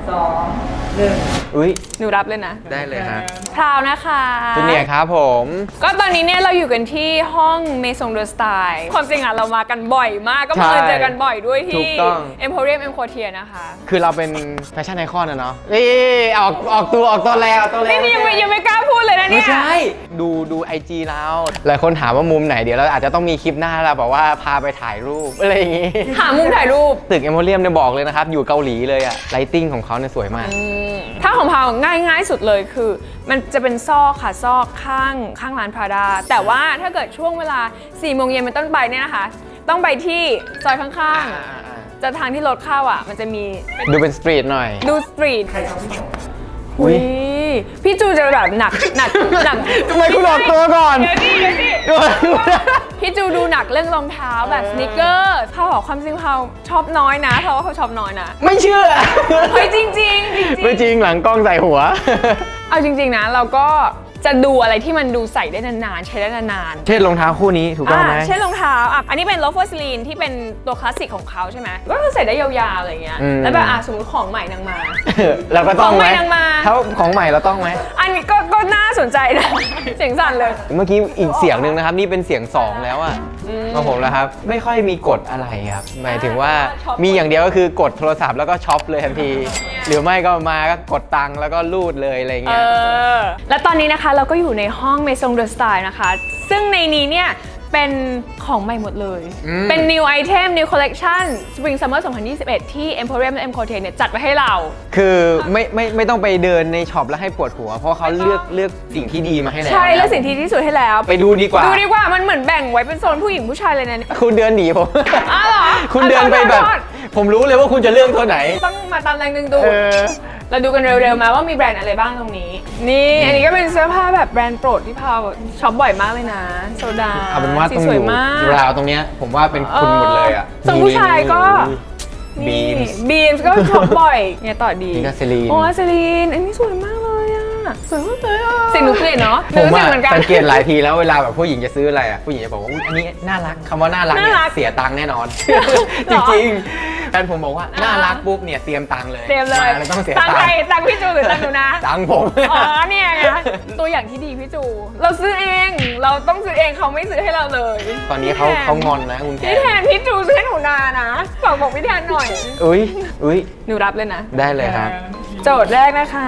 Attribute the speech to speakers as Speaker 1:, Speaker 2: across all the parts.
Speaker 1: อุ้ย
Speaker 2: หนูรับเลยนะ
Speaker 1: ได้เลยครับ
Speaker 2: พราวนะคะ
Speaker 1: จูเนียร์ครับผม
Speaker 2: ก็ตอนนี้เนี่ยเราอยู่กันที่ห้องเมซงเดอสไตล์ความจริงอ่ะเรามากันบ่อยมากก็มาเจอกันบ่อยด้วย
Speaker 1: ถู
Speaker 2: ที่
Speaker 1: กต้อง
Speaker 2: Emporium M Quartier นะคะ
Speaker 1: คือเราเป็นแฟชั่นไอคอนนะเนาะนี่ออกตัวแล้วตัวแล้ว
Speaker 2: นี่ยังไม่กล้าพูดเลยนะเนี่
Speaker 1: ไม่
Speaker 2: ย
Speaker 1: ใช่ดูไอจีเราหลายคนถามว่ามุมไหนเดี๋ยวเราอาจจะต้องมีคลิปหน้าเราแบบว่าพาไปถ่ายรูปอะไรอย่างงี้
Speaker 2: หามุมถ่ายรูป
Speaker 1: ตึกเอมโพเรียมเนี่ยบอกเลยนะครับ อยู่เกาหลีเลยอะไลติ้งของเขาเนี่ยสวยมาก
Speaker 2: ถ้าของพาวง่ายสุดเลยคือ มันจะเป็นซอกค่ะซอกข้างร้านพราดาแต่ว่าถ้าเกิดช่วงเวลา 4 โมงเย็นเป็นต้นไปเนี่ยนะคะ ต้องไปที่ซอยข้างๆจะทางที่รถเข้าอ่ะมันจะมี
Speaker 1: ดูเป็นสตรีทหน่อย
Speaker 2: ดูสตรีท
Speaker 1: อุ๊
Speaker 2: อุ้
Speaker 1: ย
Speaker 2: ยพี่จูจะแบบหนัก
Speaker 1: ทำไมคุณออกตัวก่อน
Speaker 2: เดี๋ยวดิพี่จูดูหนักเรื่องรองเท้าแบบสนิเกอร์พาวบอกความจริงพาวชอบน้อยนะเพราะว่าเขาชอบน้อยนะ
Speaker 1: ไม่เชื่อ
Speaker 2: เฮ้ยจริงๆ
Speaker 1: ไม่จริงหลังกล้องใส่หัว
Speaker 2: เอาจริงๆนะเราก็จะดูอะไรที่มันดูใส่ได้นานๆใช้ได้นานๆ
Speaker 1: เช่นรองเท้าคู่นี้ถูกต้องไหม
Speaker 2: เช่นรองเท้าอันนี้เป็น loafer sleen ที่เป็นตัวคลาสสิกของเขาใช่ไหมก็คือใส่ได้ยาวๆอะไรเงี้ยแล้วแบบสมมติของใหม่นางมา
Speaker 1: เราก็ต้องไหม
Speaker 2: ของใหม่นางมา
Speaker 1: ถ้าของใหม่เราต้องไหม
Speaker 2: อันนี้ก็น่าสนใจนะ เสียงสั่นเลย
Speaker 1: เมื่อกี้อีกเสียงหนึ่งนะครับ นี่เป็นเสียง 2 แล้วอะของผมแล้วครับ ไม่ค่อยมีกฎอะไรครับ หมายถึงว่ามีอย่างเดียวก็คือกดโทรศัพท์แล้วก็ช็อปเลยทันที หรือไม่ก็มาก็กดตังค์แล้วก็รูดเลยอะไรเงี้ย
Speaker 2: และตอนนี้นะคะเราก็อยู่ในห้องเมซงเดอสไตล์นะคะ ซึ่งในนี้เนี่ยเป็นของใหม่หมดเลย เป็น new item new collection spring summer 2021 ที่ Emporium และ M Quartier เนี่ยจัดไว้ให้เรา
Speaker 1: คือไม่ต้องไปเดินในช็อปแล้วให้ปวดหัว เพราะเขาเลือกสิ่งที่ดีมาให้แล้ว
Speaker 2: ใช่แล้วสิ่งที่ดีที่สุดให้แล้ว
Speaker 1: ไปดูดีกว่า
Speaker 2: ดูดีกว่ามันเหมือนแบ่งไว้เป็นโซนผู้หญิงผู้ชายเลยนะ
Speaker 1: คุณเดินหนีผม
Speaker 2: อ้าวเหรอ
Speaker 1: คุณเดินไปแบบ ผมรู้เลยว่าคุณจะเลือกตัวไหน
Speaker 2: ต้องมาตามแรงดึงดูดเราดูกันเร็วๆมาว่ามีแบรนด์อะไรบ้างตรงนี้ นี่อันนี้ก็เป็นเสื้อผ้าแบบแบรนด์โปรดที่พาวช็อปบ่อยมากเลยนะโซดา
Speaker 1: เอาเป็นว่าต้อง
Speaker 2: สวย
Speaker 1: ดู
Speaker 2: มาก
Speaker 1: ราวตรงเนี้ยผมว่าเป็นคุณหมดเลยอ่ะ
Speaker 2: ส่วนผู้ชายก็
Speaker 1: บีม
Speaker 2: บีมก็ช็อปบ่อยเนี่ยต่อดี
Speaker 1: นี่ก็เซรีน
Speaker 2: โอ้เซรีนอันนี้สวยมากเลยอ่ะสวยมากเลยอ่ะเสียงหนูเปลี่ยนเนาะ
Speaker 1: ผม
Speaker 2: รู้สึ
Speaker 1: อะ
Speaker 2: กเหมือนกัน
Speaker 1: สังเกตหลายทีแล้วเวลาแบบผู้หญิงจะซื้ออะไรอ่ะผู้หญิงจะบอกว่าอุ๊ยอันนี้น่ารักคำว่าน่ารักเนี่
Speaker 2: น่ารั
Speaker 1: ย
Speaker 2: ก
Speaker 1: เสียตังค์แน่นอน
Speaker 2: หร
Speaker 1: จ
Speaker 2: อ
Speaker 1: ริงๆแฟนผมบอกว่าน่ารักปุ๊บเนี่ยเตรียมตังค์เลย
Speaker 2: เต็มเลย
Speaker 1: มาแล้วต้องเสีย
Speaker 2: ตัง
Speaker 1: ตัง
Speaker 2: ค์ใคร
Speaker 1: ค์
Speaker 2: ตังค์พี่จูหรือตังค์หนูนะ
Speaker 1: ตังค์ผม
Speaker 2: อ๋อเนี่ยไงตัวอย่างที่ดีพี่จู เราซื้อเอง เราต้องซื้อเองเขาไม่ซื้อให้เราเลย
Speaker 1: ตอนนี้เขางอนนะคุณแก
Speaker 2: พี่แทนพี่จูซื้อให้หนูนานะฝากบอกพี่แทนหน่อย
Speaker 1: อุ้ย
Speaker 2: หนูรับเลยนะ
Speaker 1: ได้เลยครับ
Speaker 2: โจทย์แรกนะคะ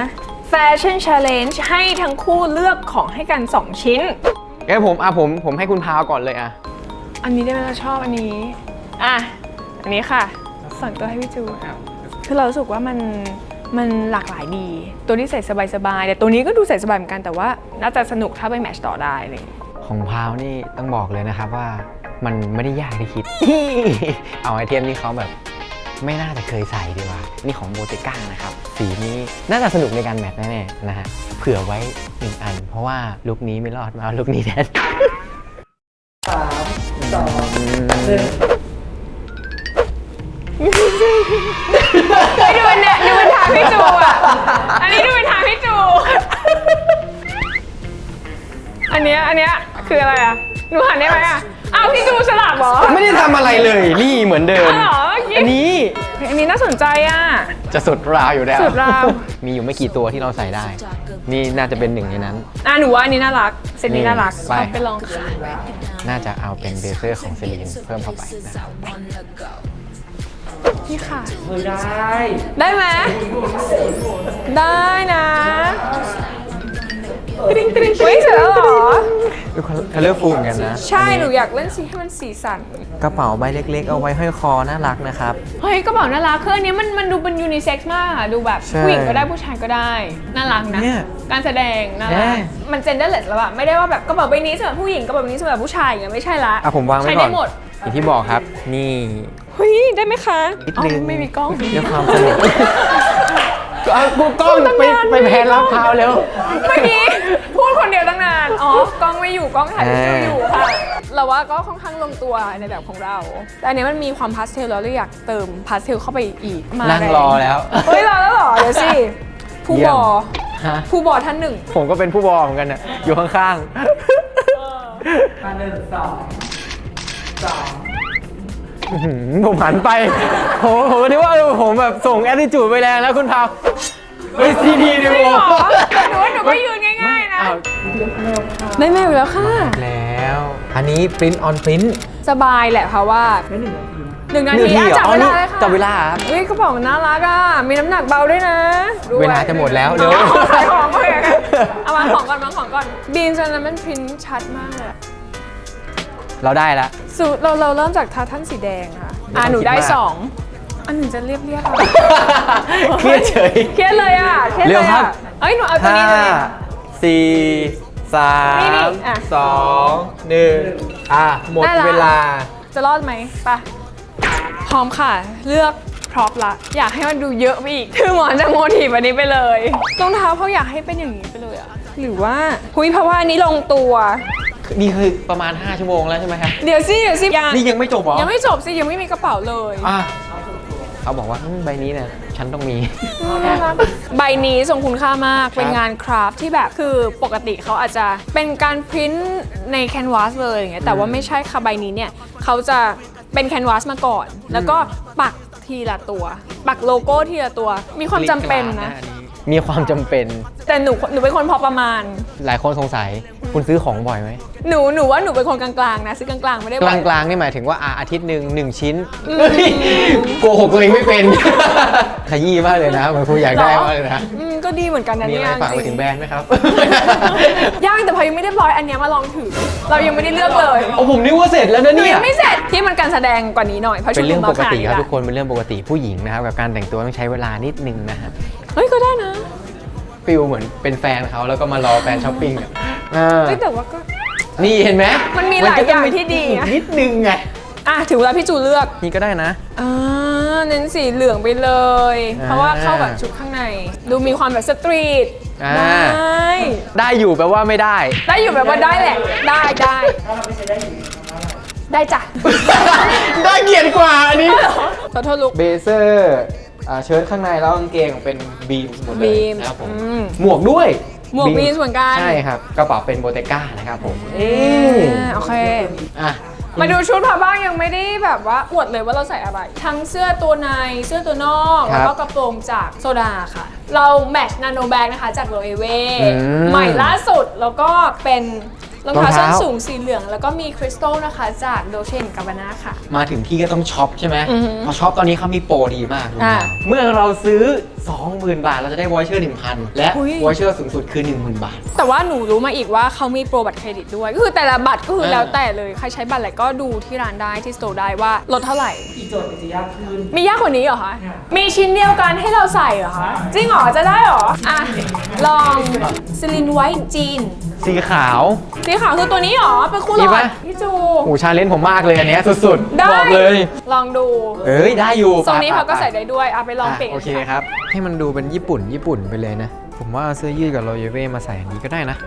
Speaker 2: Fashion Challenge ให้ทั้งคู่เลือกของให้กัน 2 ชิ้น
Speaker 1: งั้นผมให้คุณพาวก่อนเลยอ่ะ
Speaker 2: อันนี้ได้ไหมเราชอบอันนี้ อ่ะ อันนี้ค่ะส่วนตัวให้พี่จูคือเรารู้สึกว่ามันหลากหลายดี ตัวนี้ใส่สบายๆแต่ตัวนี้ก็ดูใส่สบายเหมือนกันแต่ว่าน่าจะสนุกถ้าไปแมทช์ต่อได้เลย
Speaker 1: ของพาวนี่ต้องบอกเลยนะครับว่ามันไม่ได้ยากที่คิด เอาไอเทมที่เขาแบบไม่น่าจะเคยใส่ดีกว่า นี่ของโบเตก้านะครับ สีนี้น่าจะสนุกในการแมทแน่ๆนะฮะ เผื่อไว้1 อัน เพราะว่าลุคนี้ไม่รอดมาเอาลุคนี้แทน
Speaker 3: 3 2 1
Speaker 2: ดูเป็นเนี่ยดูเป็นทางพี่จูอ่ะ อันนี้ดูเป็นทางพี่จู อันเนี้ยคืออะไรอ่ะหนูหันได้ไหมอ่ะอ้าวพี่จูสลับเหรอ
Speaker 1: ไม่ได้ทำอะไรเลย นี่เหมือนเดิม
Speaker 2: อ๋อเหรอ
Speaker 1: อันนี้
Speaker 2: อันนี้น่าสนใจอ่ะ
Speaker 1: จะสุดราวอยู่แล้ว
Speaker 2: สุดราว
Speaker 1: มีอยู่ไม่กี่ตัวที่เราใส่ได้ นี่น่าจะเป็นหนึ่งในนั้น
Speaker 2: หนูว่าอันนี้น่ารักเซตนี้น่ารัก
Speaker 1: ไป
Speaker 2: เอาไปลองขาย
Speaker 1: น่าจะเอาเป็นเบเซอร์ของเซรีนเพิ่มเข้าไปนะครับ
Speaker 2: นี่ค่ะ
Speaker 3: เฮ้ยได้
Speaker 2: ได้ไหมได้นะตริงตริงเฮ้ยเสร็จแล้วเหรอ
Speaker 1: ดูคัลเลอร์ฟูลเหมือนกันนะ
Speaker 2: ใช่ หนูอยากเล่นสีให้มันสีสัน
Speaker 1: กระเป๋าใบเล็กๆ เอาไว้ห้อยคอน่ารักนะครับ
Speaker 2: เฮ้ยกระเป๋าน่ารักคืออันนี้มันดูเป็นยูนิเซ็กซ์มากอะดูแบบ
Speaker 1: ใช่
Speaker 2: ผู้หญิงก็ได้ผู้ชายก็ได้ น่ารักนะ
Speaker 1: เนี่ย
Speaker 2: การแสดงน่ารัก
Speaker 1: เนี่ย
Speaker 2: มันเจนเดอร์เลสแล้วอะไม่ได้ว่าแบบกระเป๋าใบนี้สำหรับผู้หญิงกระเป๋าใบนี้สำหรับผู้ชายอย่างเงี้ยไม่ใช่ละ
Speaker 1: ผมวางไว้
Speaker 2: ใช้
Speaker 1: ก่อ
Speaker 2: ได้
Speaker 1: น
Speaker 2: หมด
Speaker 1: อย่างที่บอกครับ นี่
Speaker 2: เฮ้ยได้ไหมคะ
Speaker 1: นิดนึง
Speaker 2: ไม่มีกล้อง
Speaker 1: ด้วยความสนุกเอากูกล้องไปแพนรับพาวเร็ว
Speaker 2: เมื่อกี้พูดคนเดียวตั้งนาน อ๋อกล้องไม่อยู่กล้องถ่ายวิดีโออยู่ค่ะ เราว่าก็ค่อนข้างลงตัวในแบบของเรา แต่อันนี้มันมีความพาสเทลแล้วเราอยากเติมพาสเทลเข้าไปอีกมา
Speaker 1: นั่ง
Speaker 2: แ
Speaker 1: รอแล้ว
Speaker 2: เฮ้ยรอแล้วเหรอ เดี๋ยวสิ ผู้
Speaker 1: เยี่
Speaker 2: บ
Speaker 1: ยม
Speaker 2: อ
Speaker 1: ฮะ
Speaker 2: ผู้บอท่านหนึ่ง
Speaker 1: ผมก็เป็นผู้บอเหมือนกันน่ะอยู่ข้าง
Speaker 3: มา1 2 2
Speaker 1: ผมหันไปผมนึกว่าผมแบบส่งแอตติจูดไปแรงแล้วคุณพาวเฮ้ยซีดีดิ
Speaker 2: จริง
Speaker 1: โอ
Speaker 2: เหรอแต่หนูก็ยืนง่ายๆนะ
Speaker 1: อ้าว
Speaker 2: ได้แมวอยู่แล้วค่ะ
Speaker 1: แล้ว อันนี้ print on print
Speaker 2: สบายแหละเพราะว่าหนึ่งนาทีอ่ะจับเวลาเลยค่ะ
Speaker 1: จับเวลาครับ
Speaker 2: เฮ้ยกระเป๋ามันน่ารักอ่ะ มีน้ำหนักเบาด้วยนะด้วย
Speaker 1: เวลาจะหมดแล้วเร็ว
Speaker 2: อาขายของเลยอะเอาวางของก่อนวางของก่อนบีนจนนั้นมันพิมพ์ชัดมากเลยอะ
Speaker 1: เราได้แล้ว
Speaker 2: สูตรเราเริ่มจากทาท่านสีแดงค่ะ หนูได้
Speaker 1: ไม่ต้องคิดมาก
Speaker 2: 2 อันหนึ่งจะเรียบๆค่ะ
Speaker 1: เครียดเฉย
Speaker 2: เครียดเลยอ่ะเครียด
Speaker 1: เร็
Speaker 2: เล
Speaker 1: วย ครั
Speaker 2: อ่ะ
Speaker 1: บ
Speaker 2: เอ้ยหนูเอาตัวนี้เลย
Speaker 1: สี่สา
Speaker 2: นี่
Speaker 1: ม
Speaker 2: อ่ะ
Speaker 1: สองหนึ่งหมด
Speaker 2: ได้ละ
Speaker 1: เวลา
Speaker 2: จะรอดไหมไปะพร้อมค่ะ เลือกพร็อพละ อยากให้มันดูเยอะไปอีกคือหมอนจะโมทีฟอันนี้ไปเลยรองเท้าเขาอยากให้เป็นอย่างนี้ไปเลยอะหรือว่าเพราะว่าอันนี้ลงตัว
Speaker 1: นี่คือประมาณ 5 ชั่วโมงแล้วใช่ไหมครับ
Speaker 2: เดี๋ยวสิยัง
Speaker 1: นี่ยังไม่จบเหรอ
Speaker 2: ยังไม่จบสิยังไม่มีกระเป๋าเลย
Speaker 1: อ่ะเขาบอกว่าใบนี้เนี่ยฉันต้องมี
Speaker 2: ใบนี้ทรงคุณค่ามากเป็นงานคราฟต์ที่แบบคือปกติเขาอาจจะเป็นการพิมพ์ในแคนวาสเลยอย่างเงี้ยแต่ว่าไม่ใช่ค่ะใบนี้เนี่ยเขาจะเป็นแคนวาสมาก่อน แล้วก็ปักทีละตัว ปักโลโก้ทีละตัว มีความจำเป็นนะ
Speaker 1: มีความจำเป็น
Speaker 2: แต่หนูเป็นคนพอประมาณ
Speaker 1: หลายคนสงสัยคุณซื้อของบ่อยไหม
Speaker 2: หนูว่าหนูเป็นคนกลางๆนะซื้อกลางๆไม่ได้
Speaker 1: ก
Speaker 2: บ่อย
Speaker 1: ลางๆนี่หมายถึงว่าอาทิตย์หนึ่ง1 ชิ้นเฮ้ยโกหกตัวเองไม่เป็น ขยี้มากเลยนะเหมือนคุณอยากได้มากเลยนะ
Speaker 2: ก็ดีเหมือนกันนะ
Speaker 1: มี
Speaker 2: เนี่
Speaker 1: อะไร
Speaker 2: ย
Speaker 1: ฝากไป
Speaker 2: จ
Speaker 1: ถึ
Speaker 2: ริ
Speaker 1: ง
Speaker 2: ง
Speaker 1: แบรนด์ไหมครับ
Speaker 2: ย่างแต่พอยังไม่ได้ร้อยอันเนี้ยมาลองถือเรายังไม่ได้เลือกเลย
Speaker 1: โอ้ผมนึกว่าเสร็จแล้วนะ
Speaker 2: หนู
Speaker 1: เนี่ย
Speaker 2: ยังไม่เสร็จที่มันการแสดงกว่านี้หน่อยเพราะ
Speaker 1: เป็
Speaker 2: ชุ
Speaker 1: น
Speaker 2: ดห
Speaker 1: เรื่
Speaker 2: นู
Speaker 1: อง
Speaker 2: มา
Speaker 1: ปก
Speaker 2: ขนาด
Speaker 1: ติ
Speaker 2: นี้
Speaker 1: ครับ
Speaker 2: ละ
Speaker 1: ทุกคนเป็นเรื่องปกติผู้หญิงนะครับกับการแต่งตัวต้องใช้เวลานิดนึงนะฮะ
Speaker 2: เฮ้ยก็ได้นะ
Speaker 1: ฟิลเหมือนเป็นแฟนเขาแล้วก็มารอแฟนช้อปปิ้งอ่ะ
Speaker 2: เฮ้ยแต่ว่าก็
Speaker 1: นี่เห็นไหม
Speaker 2: มันมีหลายอย่างที่ดีอะ
Speaker 1: นิดนึงไง
Speaker 2: ถึงเวลาพี่จูเลือก
Speaker 1: นี่ก็ได้นะ
Speaker 2: เน้นสีเหลืองไปเลย เพราะว่าเข้ากับชุดข้างใน ดูมีความแบบสตรีท
Speaker 1: อ่า
Speaker 2: ได้
Speaker 1: ได้อยู่แปลว่าไม่ได้
Speaker 2: ได้อยู่แบบว่าได้แหละ ได้ได้จ้ะ
Speaker 1: ได้เกียรติกว่าอันนี้
Speaker 2: ขอโทษลูก
Speaker 1: เบเซอร์เชิ้ตข้างในแล้วกางเกงเป็นบีมหมดเลย
Speaker 2: beams
Speaker 1: นะครับผม
Speaker 2: อืม
Speaker 1: หมวกด้วย
Speaker 2: หมวก beams เหมือนกัน
Speaker 1: ใช่ครับกระเป๋าเป็นโบเตก้านะครับผม
Speaker 2: โอเค
Speaker 1: อ่ะ
Speaker 2: มาดูชุดพาบ้างยังไม่ได้แบบว่าอวดเลยว่าเราใส่อะไร ทั้งเสื้อตัวในเสื้อตัวนอก
Speaker 1: ครับ
Speaker 2: แล้วก็กระโปรงจากโซดาค่ะ เราแมทนาโนแบกนะคะจากโรเอเว
Speaker 1: ม
Speaker 2: ใหม่ล่าสุดแล้วก็เป็นรองเท้าร
Speaker 1: องเท้า
Speaker 2: ส้นสูงสีเหลือง แล้วก็มีคริสตัลนะคะจากโดเชนกาบาน่าค่ะ
Speaker 1: มาถึงที่ก็ต้องช็อปใช่ไหม
Speaker 2: อือหือ
Speaker 1: พอช็อปตอนนี้เขามีโปรดีมาก
Speaker 2: อ่า
Speaker 1: เมื่อเราซื้อ 20,000 บาท เราจะได้วอเชอร์ 1,000 และ
Speaker 2: อุ๊ย
Speaker 1: วอเชอร์สูงสุดคือ 10,000 บาท
Speaker 2: แต่ว่าหนูรู้มาอีกว่าเขามีโปรบัตรเครดิตด้วย ก็คือแต่ละบัตรก็คือแล้วแต่เลย ใครใช้บัตรอะไรก็ดูที่ร้านได้ที่สโตร์ได้ว่าลดเท่าไหร่
Speaker 3: อีกโจทย์มันจะยากขึ้น
Speaker 2: มียากกว่านี้เหรอคะ มีชิ้นเดียวกันให้เราใส่เหรอคะ จริงเหรอ จะได้เหรอ ลองซิลินไวท์จีน
Speaker 1: สีขาว
Speaker 2: สีขาวคือตัวนี้เหรอ เป็นคู่หล
Speaker 1: นี่
Speaker 2: อ
Speaker 1: ปะ
Speaker 2: ดพี่จู
Speaker 1: โอ้ชาเลนจ์ผมมากเลยอันเนี้ยสุดๆ
Speaker 2: ได้
Speaker 1: บอกเลย
Speaker 2: ลองดู
Speaker 1: เอ้ย ได้อยู่
Speaker 2: ทรงนี้
Speaker 1: ไป
Speaker 2: เขาก็
Speaker 1: ไป
Speaker 2: ใส่ได้ด้วยไปลองเปลี่ยน
Speaker 1: โอเคครับ ให้มันดูเป็นญี่ปุ่นไปเลยนะ ผมว่าเอาเสื้อยืดกับโรเยเว่มาใส่อันนี้ก็ได้นะ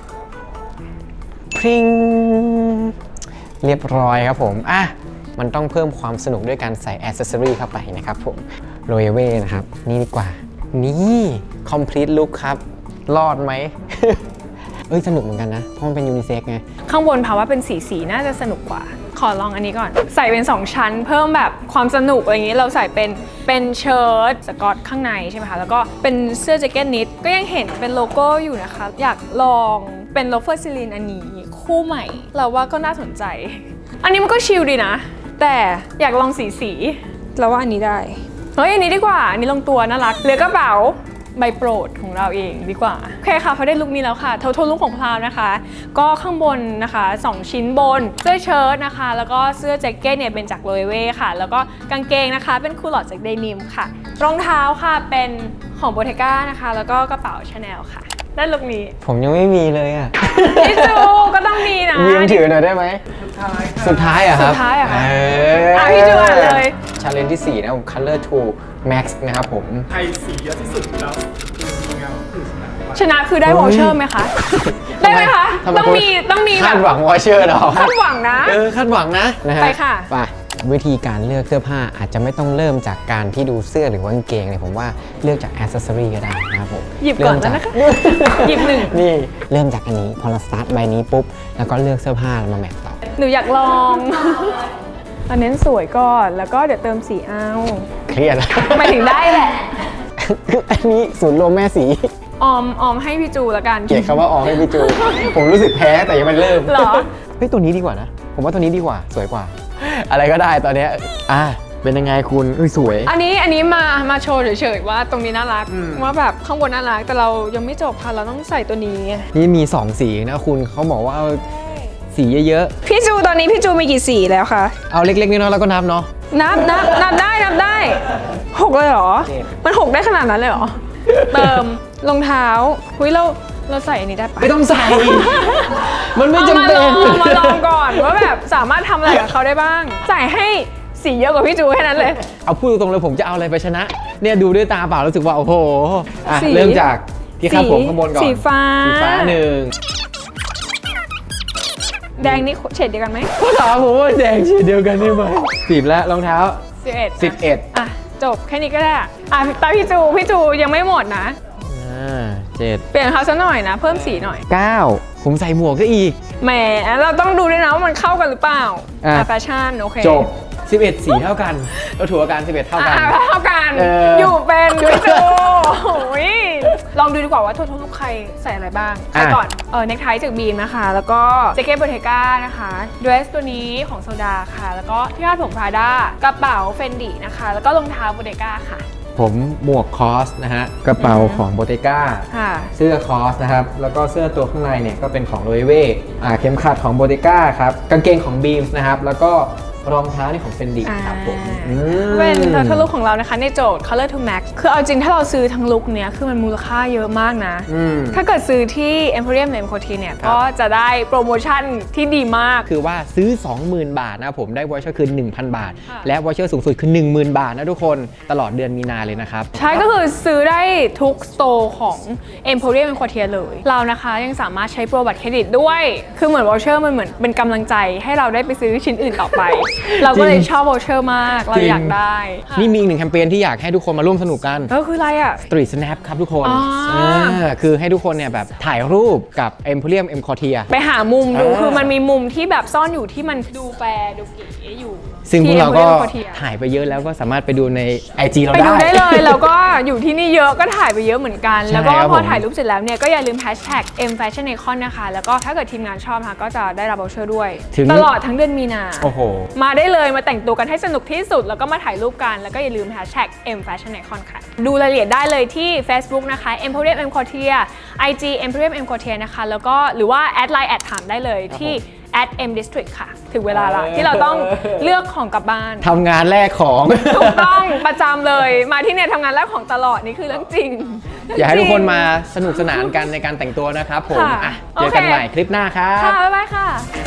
Speaker 1: พริงเรียบร้อยครับผมมันต้องเพิ่มความสนุกด้วยการใส่อ c เซสซอรี่เข้าไปนะครับผมโรเยเว่นะครับ นี่ดีกว่า นี่ complete look ครับ รอดไหม เอ้ย สนุกเหมือนกันนะ เพราะมันเป็นยูนิเซ็กไง
Speaker 2: ข้างบนภาวะเป็นสีน่าจะสนุกกว่า ขอลองอันนี้ก่อน ใส่เป็น 2 ชั้น เพิ่มแบบความสนุกอะไรอย่างนี้ เราใส่เป็นเชิ้ตสกอตข้างในใช่ไหมคะ แล้วก็เป็นเสื้อแจ็คเก็ตนิด ก็ยังเห็นเป็นโลโก้อยู่นะคะ อยากลองเป็นโลเฟอร์ซิลินอันนี้คู่ใหม่ เราว่าก็น่าสนใจ อันนี้มันก็ชิลดีนะ แต่อยากลองสีเราว่าอันนี้ได้ เฮ้ยอันนี้ดีกว่า อันนี้ลงตัวน่ารักเหลือกระเป๋าใบโปรดของเราเองดีกว่าโอเคค่ะพอได้ลุคนี้แล้วค่ะโทนลุคของพราวนะคะ ก็ข้างบนนะคะ2ชิ้นบนเสื้อเชิ้ตนะคะแล้วก็เสื้อแจ็คเก็ตเนี่ยเป็นจากโรเว่ค่ะ แล้วก็กางเกงนะคะเป็นคูลอดจากเดนิมค่ะรองเท้าค่ะเป็นของโบเทก้านะคะแล้วก็กระเป๋าชาแนลค่ะได้ลุคนี้
Speaker 1: ผมยังไม่มีเลยอ่ะ
Speaker 2: พี่จูก็ต้องมีนะ
Speaker 1: ยืมถือหน่อยได้ไหม สุดท้ายอะครับ
Speaker 2: สุดท้ายอะครับ
Speaker 1: เ
Speaker 2: พี่จูอ่านเลย
Speaker 1: ชาเลนจ์ที่ 4 นะผม Color to Max นะครับผม
Speaker 3: ใครสีเยอะที่สุดแล้วทีมงานคือชนะ
Speaker 2: ชนะคือได้วอลเชอร์ไหมคะ ได้ไหมคะ
Speaker 1: ทำไม
Speaker 2: ต้องมีแบ
Speaker 1: คา
Speaker 2: บ
Speaker 1: ดหวังวอเชอร์หรอ
Speaker 2: คาดหวังนะ
Speaker 1: คาดหวังนะฮ
Speaker 2: ไปค่ะ
Speaker 1: ไปวิธีการเลือกเสื้อผ้าอาจจะไม่ต้องเริ่มจากการที่ดูเสื้อหรือว่ากางเกงเลยผมว่าเลือกจากอ c เซสซอรี่ก็ได้นะครับผม
Speaker 2: หยิบก่อนแล้วนะคะ หยิบหนึ่ง
Speaker 1: นี่เริ่มจากอันนี้พอเราสตาร์ทใบนี้ปุ๊บแล้วก็เลือกเสื้อผ้ามาแมทต่อ
Speaker 2: หนูอยากลองเราเน้นสวยก่อนแล้วก็เดี๋ยวเติมสีเอา
Speaker 1: เครียดแล้ว
Speaker 2: หมายถึงได้แหละ
Speaker 1: อันนี้ศูนย์รวมแม่สี
Speaker 2: ออมให้พี่จูละกัน
Speaker 1: เกลียดคำว่าออกให้พี่จู ผมรู้สึกแพ้แต่ยังไม่เริ่ม
Speaker 2: เหรอ
Speaker 1: เฮ้ยตัวนี้ดีกว่านะ ผมว่าตัวนี้ดีกว่าสวยกว่า อะไรก็ได้ตอนเนี้ยเป็นยังไงคุณสวย
Speaker 2: อันนี้มาโชว์เฉยๆว่าตรงนี้น่ารักว่าแบบข้างบนน่ารักแต่เรายังไม่จบค่ะเราต้องใส่ตัวนี้
Speaker 1: นี่มี 2 สีนะคุณเขาบอกว่าเอาสีเยอะ
Speaker 2: พี่จูตอนนี้พี่จูมีกี่สีแล้วคะ
Speaker 1: ๆ เอาเล็กๆน้อยๆแล้วก็นับเนาะ
Speaker 2: นับได้6เลยเหรอ
Speaker 1: เจ็ด
Speaker 2: มัน6ได้ขนาดนั้นเลยเหรอ เติมรองเท้าหุ้ยเราใส่อันนี้ได้ปะ
Speaker 1: ไม่ต้องใส่ มันไม่จำเป็น
Speaker 2: เอามาลองก่อนว่าแบบสามารถทำอะไรกับเขาได้บ้าง ใส่ให้สีเยอะกว่าพี่จูแค่นั้นเลย
Speaker 1: เอาพูดตรงๆเลยผมจะเอาอะไรไปชนะ เนี่ยดูด้วยตาเปล่ารู้สึกว่าโอ้โห
Speaker 2: สี
Speaker 1: เริ่มจากที่ข้างผมข้างบนก่อน
Speaker 2: สีฟ้า
Speaker 1: สีฟ้าหนึ่ง
Speaker 2: แดงนี่เฉดเดียวกันไหม
Speaker 1: ก็ถามผมว่าแดงสีเดียวกันได้ไหม10แล้วรองเท้า
Speaker 2: 11อ่ะจบแค่นี้ก็ได้อ่ะตาพี่จูยังไม่หมดนะ
Speaker 1: 7
Speaker 2: เปลี่ยนเขาซะหน่อยนะ เพิ่มสีหน่อย
Speaker 1: 9ผมใส่หมวกก็อีก
Speaker 2: แหมเราต้องดูด้วยนะว่ามันเข้ากันหรือเปล่า
Speaker 1: อ่ะ
Speaker 2: แฟชั่นโอเค
Speaker 1: จบ 11 สีเท่ากันเราถือว่าการ11 เท่ากัน
Speaker 2: เท่ากัน
Speaker 1: อ
Speaker 2: อยู่เป็นพี่จูโอ้ยลองดูดีกว่าว่าทุกใครใส่อะไรบ้างใครก่อนเนคไทจากบีมนะคะ แล้วก็แจ็คเก็ตโบเทก้านะคะเดรสตัวนี้ของโซดาค่ะ แล้วก็ที่คาดผมพราด้ากระเป๋าเฟนดี้นะคะ แล้วก็รองเท้าโบเทก้าค่ะ
Speaker 1: ผมหมวกคอสนะฮะกระเป๋าของโบเตก้า
Speaker 2: ค่ะ
Speaker 1: เสื้อคอสนะครับแล้วก็เสื้อตัวข้างในเนี่ยก็เป็นของโรเว่เข็มขัดของโบเตก้าครับกางเกงของบีมส์นะครับแล้วก็รองเท้านี่ของเฟนดี้ครับผม
Speaker 2: เป็นทั้งลุคของเรานะคะในโจทย์ Color to Max คือเอาจริงถ้าเราซื้อทั้งลุคเนี้ยคือมันมูลค่าเยอะมากนะ ถ้าเกิดซื้อที่ Emporium หรือ M Coty เนี่ย
Speaker 1: ครับ
Speaker 2: ก็จะได้โปรโมชั่นที่ดีมาก
Speaker 1: คือว่าซื้อ 20,000 บาทนะผมได้วอเชอร์คือ 1,000 บาท
Speaker 2: ค่ะ
Speaker 1: และวอเชอร์สูงสุดคือ 10,000 บาทนะทุกคนตลอดเดือนมีนาเลยนะครับ
Speaker 2: ใช่ก็คือซื้อได้ทุกสโตร์ของ Emporium M Coty เลย เรานะคะยังสามารถใช้โปรบัตรเครดิตด้วย คือเหมือนวอเชอร์มันเหมือนเป็นกำลังใจให้เราได้ไปซื้อชิ้นอื่นต่อไป เราก็เลยชอบวอเชอร์มากเราอยากได้
Speaker 1: นี่มีอีกหนึ่งแคมเปญที่อยากให้ทุกคนมาร่วมสนุกกัน
Speaker 2: คืออะไรอ่ะ
Speaker 1: Street Snap ครับทุกคน
Speaker 2: อ๋อ
Speaker 1: คือให้ทุกคนเนี่ยแบบถ่ายรูปกับ Emporium M Coty
Speaker 2: ไปหามุมดู
Speaker 1: อ่า
Speaker 2: คือมันมีมุมที่แบบซ่อนอยู่ที่มันดูแฟร์ดูเก๋อยู่
Speaker 1: ซึ่งพวกเราก็
Speaker 2: ที่ Emporium Coty
Speaker 1: ถ่ายไปเยอะแล้วก็สามารถไปดูใน IG เรา
Speaker 2: ไป
Speaker 1: ได้
Speaker 2: ดูได้เลย แล้วก็อยู่ที่นี่เยอะก็ถ่ายไปเยอะเหมือนกัน
Speaker 1: ใช่
Speaker 2: แล้วก็
Speaker 1: ครับ
Speaker 2: พอ
Speaker 1: ผม
Speaker 2: ถ่ายรูปเสร็จแล้วเนี่ยก็อย่าลืมแฮชแท็ก #mfashionicon นะคะ แล้วก็ถ้าเกิดทีมงานชอบนะคะก็จะได้รับวอเชอร์ด้วย ตลอดทั้งเดือนมีนา
Speaker 1: โอ้โห
Speaker 2: มาได้เลยมาแต่งตัวกันให้สนุกที่สุด แล้วก็มาถ่ายรูปกัน แล้วก็อย่าลืมแฮชแท็ก #mfashionicon ค่ะ ดูรายละเอียดได้เลยที่ Facebook นะคะ Emporium M Coty IG Emporium M Coty นะคะ แล้วก็หรือว่าแอดไลน์แอดถามได้เลยที่ @mdistrict ค่ะ ถึงเวลาละที่เราต้องเลือกของกลับบ้าน
Speaker 1: ทำงานแรกของ
Speaker 2: ถูกต้องประจำเลย มาที่เนี่ยทำงานแรกของตลอดนี่คือเรื่องจริง
Speaker 1: อยากให้ทุกคนมาสนุกสนานกันในการแต่งตัวนะครับผม
Speaker 2: ค่ะ
Speaker 1: เจอกัน
Speaker 2: โอเค
Speaker 1: ใหม่คลิปหน้าครับ
Speaker 2: ค่ะ บ๊ายบายค่ะ